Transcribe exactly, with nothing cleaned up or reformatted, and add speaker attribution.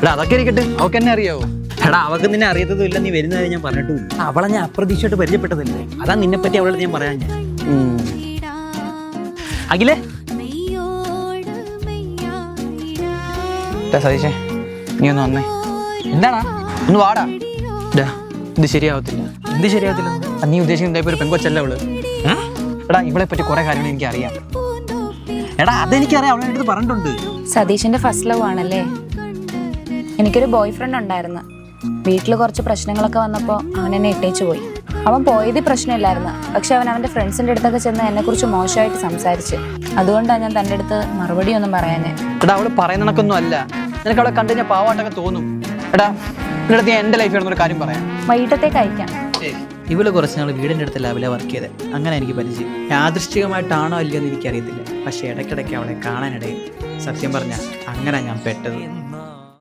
Speaker 1: എടാ അതൊക്കെ ഇരിക്കട്ടെ, അവൾക്ക് എന്നെ അറിയാവോ?
Speaker 2: എടാ അവൾക്ക് നിന്നെ അറിയത്തതും ഇല്ല, നീ വരുന്നത് ഞാൻ പറഞ്ഞിട്ടുമില്ല. അവളെ ഞാൻ അപ്രതീക്ഷയായിട്ട് പരിചയപ്പെട്ടതല്ലേ, അതാ നിന്നെ പറ്റി അവളോട് ഞാൻ പറയാൻ. ഞാൻ അഖിലേ
Speaker 1: സതീശേ, നീ ഒന്ന് വന്നേ.
Speaker 2: എന്താടാ?
Speaker 1: ഒന്ന് വാടാ. ഇത് ശരിയാവത്തില്ല.
Speaker 2: എന്ത് ശരിയാവത്തില്ല?
Speaker 1: നീ ഉദ്ദേശിക്കുന്ന ഒരു പെങ്കൊച്ചല്ല അവള്. എടാ ഇവളെ പറ്റി കുറെ കാര്യങ്ങൾ എനിക്ക് അറിയാം.
Speaker 2: എടാ അതെനിക്കറിയാം, അവളെ അടുത്ത് പറഞ്ഞിട്ടുണ്ട്.
Speaker 3: സതീഷിന്റെ ഫസ്റ്റ് ലവ് ആണല്ലേ? എനിക്കൊരു ബോയ് ഫ്രണ്ട് ഉണ്ടായിരുന്നു. വീട്ടിൽ കുറച്ച് പ്രശ്നങ്ങളൊക്കെ വന്നപ്പോൾ അവൻ എന്നെ ഇട്ടേച്ചു പോയി. അവൻ പോയത് പ്രശ്നമില്ലായിരുന്നു, പക്ഷെ അവൻ അവൻ്റെ ഫ്രണ്ട്സിൻ്റെ അടുത്തൊക്കെ ചെന്ന് എന്നെക്കുറിച്ച് മോശമായിട്ട് സംസാരിച്ച്. അതുകൊണ്ടാണ് ഞാൻ തൻ്റെ അടുത്ത് മറുപടി ഒന്നും പറയാനേ.
Speaker 1: എടാ അവള് പറയുന്ന കണക്കൊന്നും അല്ല. നിനക്ക് അവളെ കണ്ടു കഴിഞ്ഞാൽ പാവാട്ടൊക്കെ തോന്നും. എടാ നിന്റെ അടുത്ത് ഞാൻ എൻ്റെ ലൈഫ് ഒരു കാര്യം പറയാം.
Speaker 3: വൈകിട്ടത്തേക്ക് അയക്കാം.
Speaker 2: ഇവള് കുറച്ച് നാൾ വീടിൻ്റെ അടുത്ത് ലാബിലെ വർക്ക് ചെയ്ത്, അങ്ങനെ എനിക്ക് പരിചയം. യാദൃശ്ചികമായിട്ടാണോ അല്ലയോ എന്ന് എനിക്കറിയത്തില്ല, പക്ഷെ ഇടയ്ക്കിടയ്ക്ക് അവളെ കാണാനിടയിൽ. സത്യം പറഞ്ഞാൽ അങ്ങനെ ഞാൻ പെട്ടത്.